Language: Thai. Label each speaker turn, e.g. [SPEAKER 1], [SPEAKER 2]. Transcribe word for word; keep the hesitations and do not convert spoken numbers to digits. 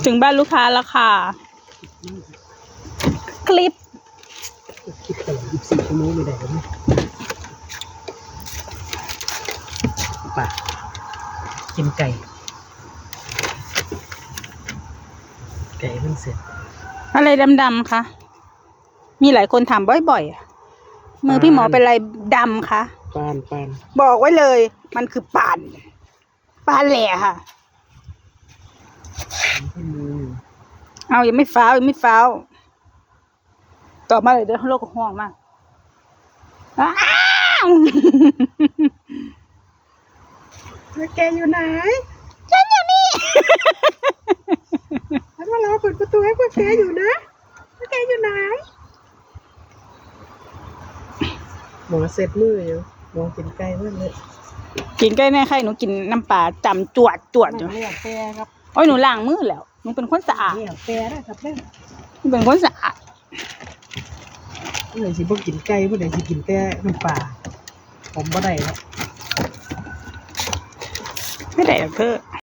[SPEAKER 1] ถึงบ้านลูกค้าแล้วค่ะคลิป
[SPEAKER 2] คลิปตลอดยี่สิบสี่ชั่วโมงไม่ได้ไหมป่ะกินไก่ไก่มันเสร็จ
[SPEAKER 1] อะไรดำๆคะมีหลายคนถามบ่อยๆมือพี่หมอเป็นอะไรดำคะ
[SPEAKER 2] ปานปาน
[SPEAKER 1] บอกไว้เลยมันคือปานปานแหล่ค่ะเอายังไม่ฟ้าวยังไม่ฟ้าวต่อมาเลยเดี๋ยวโลกห่วงมากอ้าว
[SPEAKER 2] แกอยู่ไหน
[SPEAKER 1] ฉันอยู่นี่
[SPEAKER 2] ฉันว่ารอเปิดประตูให้พวกแกอยู่นะพวกแกอยู่ไหนหมอเสร็จมืออยู่มองกินไก่มากเลย
[SPEAKER 1] กินไก่แน่ใครหนูกินน้ำปลาจำจวดจวดอยู่
[SPEAKER 2] เลี้ยงแกครับ
[SPEAKER 1] โอ้ยหนูล้างมือแล้วหนูเป็นคนสะอาด
[SPEAKER 2] เลี้ยงแกนะครับเลี้ยง
[SPEAKER 1] หนูเป็นคนสะอาด
[SPEAKER 2] ผู้ใดสิบ่กินไก่ผู้ใดสิกินแต่น้ำปลาผมบ่ได้ครับ
[SPEAKER 1] ไม่ได้หรอกเธอ